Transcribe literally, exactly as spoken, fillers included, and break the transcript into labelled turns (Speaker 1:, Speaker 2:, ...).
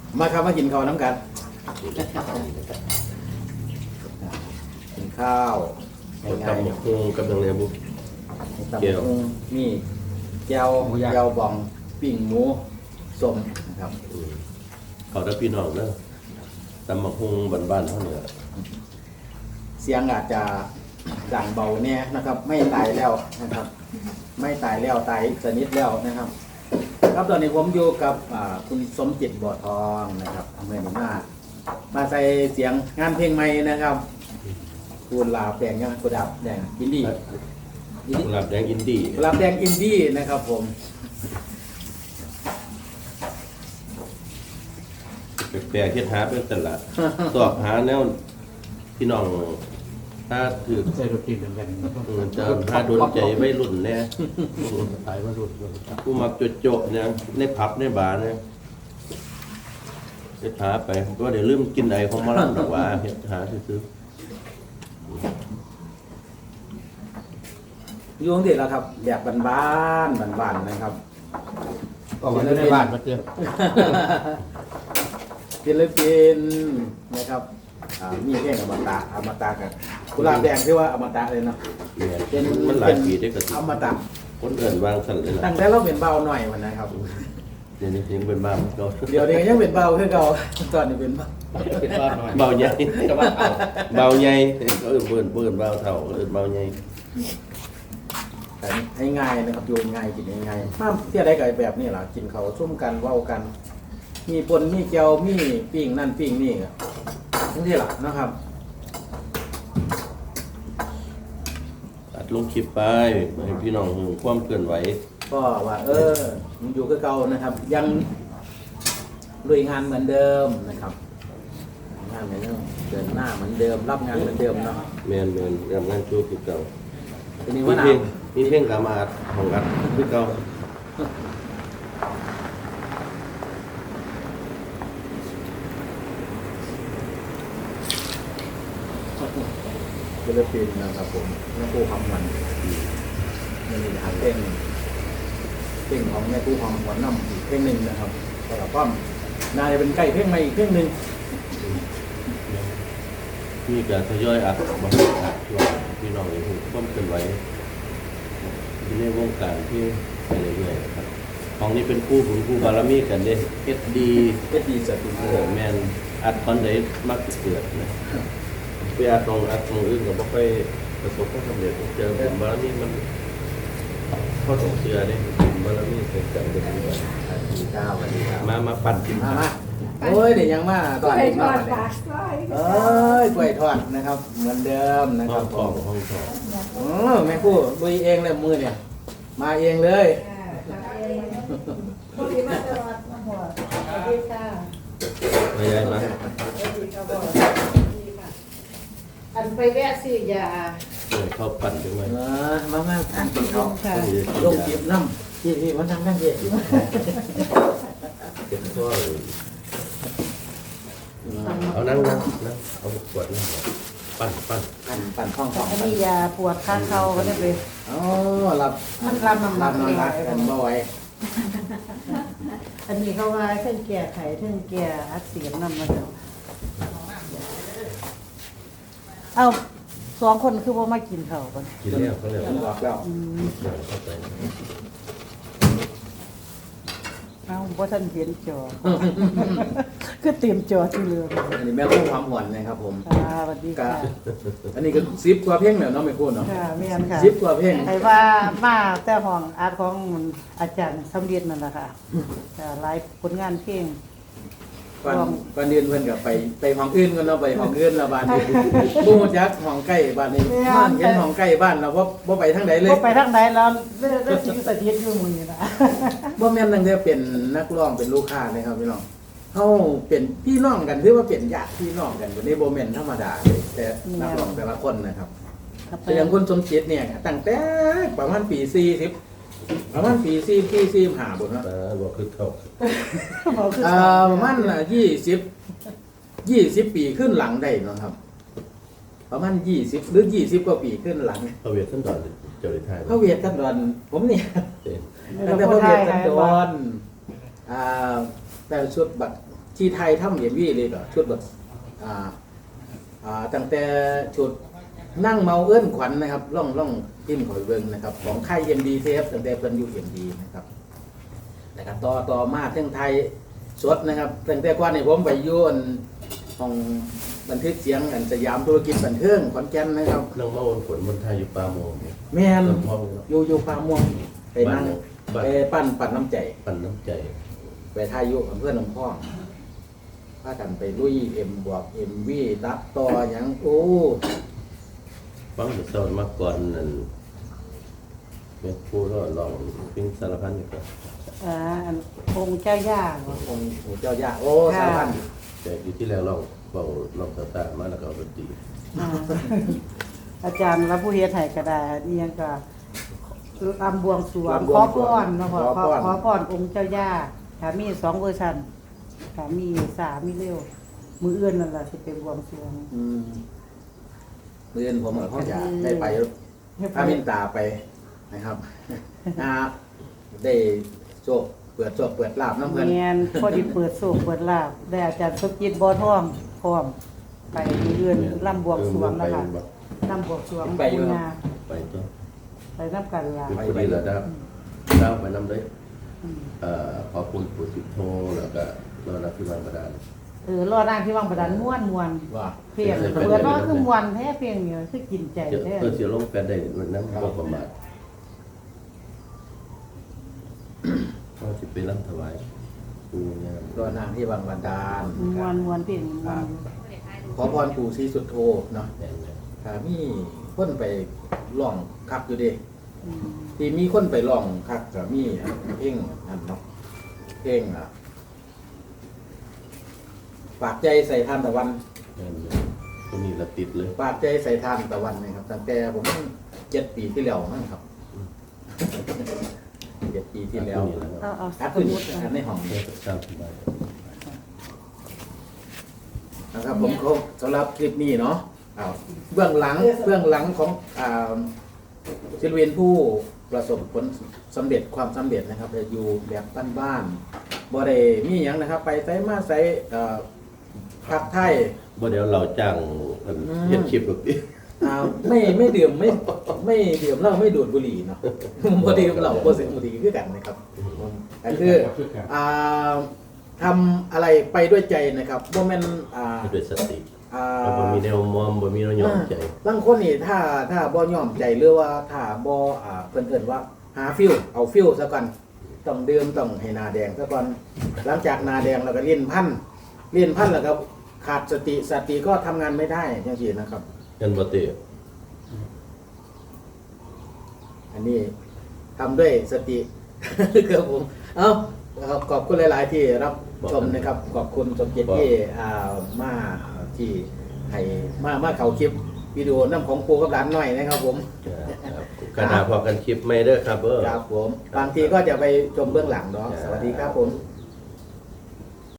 Speaker 1: มาครับมากินข้าวน้ำกันกินข้าวง่าย
Speaker 2: ตำบักหุ่งกับยังไงบุ
Speaker 1: ๆตำบักหุ่งมีแก้วแก้วบองปิ้งหมูส้มนะครับ
Speaker 2: เขาได้พี่น้องเนอะตำบักหุ่งบ้านๆเท่านี้
Speaker 1: เสียงอาจจะดังเบาเนี่ยนะครับ ไม่ตายแล้วนะครับ ไม่ตายแล้วตายสนิทแล้วนะครับ ครับตอนนี้ผมอยู่กับคุณสมจิตบ่อทองนะครับเมื่อนี้มามาใส่เสียงงานเพลงใหม่นะครับกุหลาบแดงยังกุหลาบแดงอินดี้
Speaker 2: กุหลาบแดงอินดี้
Speaker 1: กุหลาบแดงอินดี้นะครับผม
Speaker 2: แปลกๆเฮ็ดหาเป็นตลาดสอบหาแนวพี่น้องถ้าถือ
Speaker 3: ใส่รถตีนเหมือนกัน
Speaker 2: เออจะหาโดนใจไว้รุ่นแน่
Speaker 3: ตายว่ารุ่น
Speaker 2: ผู้มักโจๆเนี่ยในผับในบาร์เนี่ยเฮ็ดหาไปก็เดี๋ยวลืมกินไอของมะลังดอกว่าเฮ็ดหาซื้อ
Speaker 1: อยู่ที่แล้วครับแบบบ้านๆบ้านๆนะครับ
Speaker 3: ก็วันนี้ได้บ้านมาเจอ
Speaker 1: ศิลปินนะครับอ่ามีเพลงอมตะอมตะกันกุหลาบแดงที่ว่าอมตะเลยเนาะ
Speaker 2: เนี่ย
Speaker 1: เป็น
Speaker 2: มันหลายปีได้ก็สิ
Speaker 1: อมตะ
Speaker 2: คนเอื่นวางสั่นเลยล่ะ
Speaker 1: ตั้งแต่เราเป็นเบาหน่อยมันนะครับ
Speaker 2: เดี๋ยวนี้ยังเป็นบ้ามันก็
Speaker 1: เดี๋ยวนี้ยังเป็นเบาคือเก่าตอนนี้เป็นเบา
Speaker 3: เป็นบ้านหน่อย
Speaker 2: เบาใหญ่
Speaker 3: จะว่าเอา
Speaker 2: เบาใหญ่เออเบิ่นเบิ่นเบาเท่าเออเบาใหญ่
Speaker 1: แต่ให้ง่ายนะครับโยนง่ายกินง่ายๆห้ามเที่ยวได้กับแบบนี้ล่ะกินเขาวซุ่มกันเว้ากัน มีปนมีเจียวมีปิ้งนั่นปิ้งนี่ทั้งที่หลักนะครับ
Speaker 2: อัดลงคลิปไปให้พี่น้องรู้ความเคลื่อนไหว
Speaker 1: ก็ว่า เออมันอยู่กับเก่านะครับ ยังลุยงานเหมือนเดิมนะครับงานเหมือนเดิมเดินหน้าเหมือนเดิม รับงานเหมือนเดิมเนาะ
Speaker 2: แม่นแม่นทำงานโชว์คือเก่า
Speaker 1: ทีนี้
Speaker 2: มี
Speaker 1: ว่าหนา
Speaker 2: เพล
Speaker 1: ว
Speaker 2: งมีเพลงกามาของอัดคือเก่า
Speaker 1: ศิลปินนะครับผมแม่ครูคำมันนี่ทางเพลงเพลงของแม่ครูคำหวนน้ำอีกเพลงหนึ่งนะครับสำหรับป้อมน่าจะเป็นใกล้เพลงใหม่อีกเพลงหนึ่ง
Speaker 2: มีการทยอยอัดบางอัดช่วงพี่น้องรู้ความเคลื่อนไหวอยู่ในวงการที่ไปเรื่อยๆครับของนี้เป็นคู่ของคู่บารมีกันเด้เอสดี
Speaker 1: เพชรดีสตูดิ
Speaker 2: เอ
Speaker 1: โอ
Speaker 2: อแมนอัดคอนเดย์มักเกิดนะไปอัดตรงอัดตรงอื่นก็บ่ค่อยประสบความสำเร็จเจอผมบารมีมันเข้าสงเสือเนี่ยผมบารมีเกิดกันเด็กดีกว่า
Speaker 1: สวัสดีครับสวัสดีครับ
Speaker 2: มามาปั่นกิน
Speaker 1: มามาโอ้ยเดี๋ยวยังมาตอนนี้มาเนี่ยเอ้ยกล้วยทอดนะครับ เหมือนเดิมนะค
Speaker 2: ห้อ
Speaker 1: รับ
Speaker 2: งทองห้องทอง
Speaker 1: เออแม่ครูลุยเองเลยมือเนี่ย มาเองเลย
Speaker 4: พอดีมาตลอดมาหัวสวัสดีค่ะ
Speaker 2: ไม่ใช่ไหม
Speaker 4: สวัสดีค่ะบอกดีค่ะอันไปแวะซื้อยา
Speaker 2: เออเขาปั่นจังเลย
Speaker 1: เออมามาทานกินเขา
Speaker 4: ค่ะ
Speaker 1: ลงจีบน้ำพี่พี่มันทำได้เด็ด
Speaker 2: เก็บข้อเอานั่งนั่งนั่งเอาขวดนั่งปั่นปั่น
Speaker 1: ปั่นปั่นข้องของ
Speaker 4: อันนี้ยาปวดข้างเข่าก็ได้ไป
Speaker 1: อ๋อรับ
Speaker 4: มันรับน้ำหนั
Speaker 1: รั
Speaker 4: ก
Speaker 1: บน้ำหนักกันบ่อย
Speaker 4: อันนี้เขาว่าเท่งแก่ไข่เท่งแก่อักเสบน้ำมาแล้วเอาสองคนคือว่ามากินข้าวกัน
Speaker 2: กินแล้วเขาเรียก
Speaker 1: บอกแล้ว
Speaker 2: เข้าใจ
Speaker 4: เอาเพราะท่านเห็นจอ คือเตรียมจอที่เรือ
Speaker 1: อันนี้แม่ครูความหวนนะครับผม
Speaker 4: ค่ะสวัสดี
Speaker 1: ก็
Speaker 4: ค่ะ
Speaker 1: อันนี้ก็ซิปกว่าเพ่งเนี่ยเนาะไม่พูดเนาะ
Speaker 4: ค่ะเมียนค่ะ
Speaker 1: ซิปกว่าเพ่ง
Speaker 4: ใครว่ามาแต่ห้องอาร์ตของอาจารย์สำเร็จนั่นแหละค่ะค่ะหลายผลงานเพลง
Speaker 1: ก่อนก่อนเดือนเพิ่นก็ไปไปห้องอื่นกันเนาะไปห้องอื่นแล้วบ้านนี้บ่ฮู้จักห้องใกล้บ้านนี้บ้านเห็นห้องใกล้บ้านเราบ่บ่ไปทางใดเลย
Speaker 4: ก็ไปทางไหนแล้วได้ได้สิ่งสถิตอยู่มือนี่นะ
Speaker 1: บ่แม่นตั้งแต่เป็นนักร้องเป็นลูกค้าเลยครับพี่น้องเฮาเป็นพี่น้องกันถือว่าเป็นญาติพี่น้องกันบ่ได้บ่แม่นธรรมดาเลยแต่นักร้องแต่ละคนนะครับแต่อย่างคุณสมจิตเนี่ยตั้งแต่ประมาณปีสี่สิบประมาณปีสี่ปีสี่สิบห้าบ่เนาะ
Speaker 2: แต่บอกคือเขา
Speaker 4: บอกคือ
Speaker 1: อ่าประมาณยี่สิบ ยี่สิบปีขึ้นหลังได้เนาะครับ ประมาณยี่สิบหรือยี่สิบกว่าปีขึ้นหลัง
Speaker 2: เขาเวียดขั้นตอนเจ้าได้ทาย
Speaker 1: พระเวทกันดอนผมเนี่ย
Speaker 2: เจ๊
Speaker 1: ตั้งแต่พระเวทกันดอนอ่าแต่ชุดบักที่ไทยทำเอ็มวีเลยก็ชุดแบบอ่าอ่าตั้งแต่ชุดนั่งเมาเอื้อนขวัญนะครับล่องล่องพิมพ์ขอยเบิ่งนะครับของค่ายเอ็มดีเทปตั้งแต่เพิ่นอยู่เอ็มดีนะครับนะครับต่อต่อมาเรื่องไทยสดนะครับตั้งแต่ก่อนนี่ผมไปอยู่อันของบันทึกเสียงอันสยามธุรกิจบันเทิงขอนแก่นนะครับ
Speaker 2: นั่งเมาวนฝนบนไทยอยู่ปลาโมง
Speaker 1: แม่น
Speaker 2: ต้นพ่อเนาะ
Speaker 1: อยู่อยู่พาม่วงไปนั่ง
Speaker 2: บ้าน
Speaker 1: ไปปั้นปั้นน้ำใจ
Speaker 2: ปั่นน้ำใจ
Speaker 1: ไปทายอยู่กับเพื่อนน้องพ่องพากันไปลุยเอ็มบวกเอ็มวีตัดต่อหยังโอ้
Speaker 2: ฟังแต่เศร้ามาก่อนนั่นเม็ดผู้รอดลองปิ้งสารพันนี่ก็
Speaker 4: อ่าอันองค์เจ้าย่าบ่
Speaker 1: องค์ปู่เจ้าย่าโอ้สารพัน
Speaker 2: แต่อยู่ที่แล้วลองเบาลองตาตามาแล้วก็เอาดนตรี
Speaker 4: อ่าอาจารย์รับผู้เฮ็ดให้ก็ได้นี่ยังก็ลำบวงสรวงขอพรเนาะพ่อขอขอพรองค์เจ้าย่าถ้ามีสองเวอร์ชันถ้ามีสามมีเร็ว มืออื่นนั่นล่ะสิเป็นบวงสรวง
Speaker 1: อืมเรียนผมกับพ่อจะได้ไปพามินตาไปนะครับ อ่าได้โชคเปิดโชคเปิดลาบน้ำเงิน
Speaker 4: แม่นพอดีเปิดโศกเปิดลาบได้อาจารย์สมจิตบ่อทองพร้อมไปมืออื่นลำบวงสรวงนะคะลำบวงสรวงปูนา
Speaker 2: ไปตัว
Speaker 4: ไปนํกันล่ะ
Speaker 2: คือพอดีแล้วนะครับเล่าไปน้ำเลย
Speaker 4: อืม
Speaker 2: เอ่อขอบคุณปู่สิบโทแล้วก็รอรับที่บ้านประดาน
Speaker 4: เออรอนั่งที่วังประดานม่วนม่วน
Speaker 1: ว่า
Speaker 4: เพียงเปิดว่าคือม่วนแท้เพียงเนี่ยคือกินใจ
Speaker 2: เดี๋ยว
Speaker 4: แท้
Speaker 2: เพื่อเสียลงแฟนได้วันนั้นก็ประมาทก็จะไปรับถวายปู่เนี่ย
Speaker 1: ตัวนางที่วังบันดาล
Speaker 4: ม่วนม่วนเพียงม่วน
Speaker 1: ขอพรปู่ศรีสุดโทเนาะ
Speaker 2: แดงเลย
Speaker 1: ถ้ามีคนไปล่องคักอยู่เดิ
Speaker 4: อืม
Speaker 1: ที่มีคนไปล่องคักก็มีเพ่งอันเนาะเพ่งอ่ะปากใจใส่ทานตะวัน
Speaker 2: แดงเลยก็มีละติดเลย
Speaker 1: ปากใจใส่ทานตะวันนะครับตั้งแต่ผมเจ็ดปีที่แล้วนั่นครับเจ็ดปีที่แล้ว
Speaker 4: เอาเอา
Speaker 1: อัด
Speaker 4: ส
Speaker 1: ขึ้น
Speaker 4: มุด
Speaker 1: อันในห้อง
Speaker 2: เพื่อสร้างสบาย
Speaker 1: นะครับผมคงสำหรับคลิปนี้เนาะอ้าวเบื้องหลังเบื้องหลังของอ่าศิลปินผู้ประสบผลสำเร็จความสำเร็จนะครับอยู่แบบบ้านๆบ่ได้มีหยังนะครับ ไปไสมาไสเอ่อภาคไทย
Speaker 2: บ่เดี๋ยวเราจ้างอันเฮ็ดคลิปหรอกดิ
Speaker 1: อ่าไม่ไม่ดื่มไม่ไม่ดื่มเหล้าไม่ดูดบุหรี่เนาะ บ่ดื่มเหล้าบ่เสพบุหรี่คือกันนะครับก็คืออ่าทำอะไรไปด้วยใจนะครับบ่แม่นอ่า
Speaker 2: ให้ด้วยสติ
Speaker 1: อ่า
Speaker 2: เราบ่มีแนวมอมบ่มีแนวยอมใจ
Speaker 1: บางคนนี่ถ้าถ้าบ่ยอมใจหรือว่าถ้าบ่อ่าเพิ่นเอิ้นว่าหาฟิลเอาฟิลซะก่อนต้องดื่มต้องให้หน้าแดงซะก่อนหลังจากหน้าแดงแล้วก็เลี้ยนพันเลี้ยนพันแล้วก็ขาดสติสติก็ทำงานไม่ได้จังซี่นะครับ
Speaker 2: เงินบ่เตะ
Speaker 1: อันนี้ทำด้วยสติ ครับผม เอ้าครับขอบคุณหลาย ๆ ที่รับชมนะครับ ขอบคุณสมเกียรติที่อ่ามาที่ให้มามาเขาคลิปวิดีโอน้ำของครูกับหลานหน่อยนะครับผม
Speaker 2: ครับกระดาษพอกันคลิปไม่เด้อครับเออ
Speaker 1: ครับผม บางทีก็จะไปชมเบื้องหลังเนาะ สวัสดีครับผม
Speaker 2: ค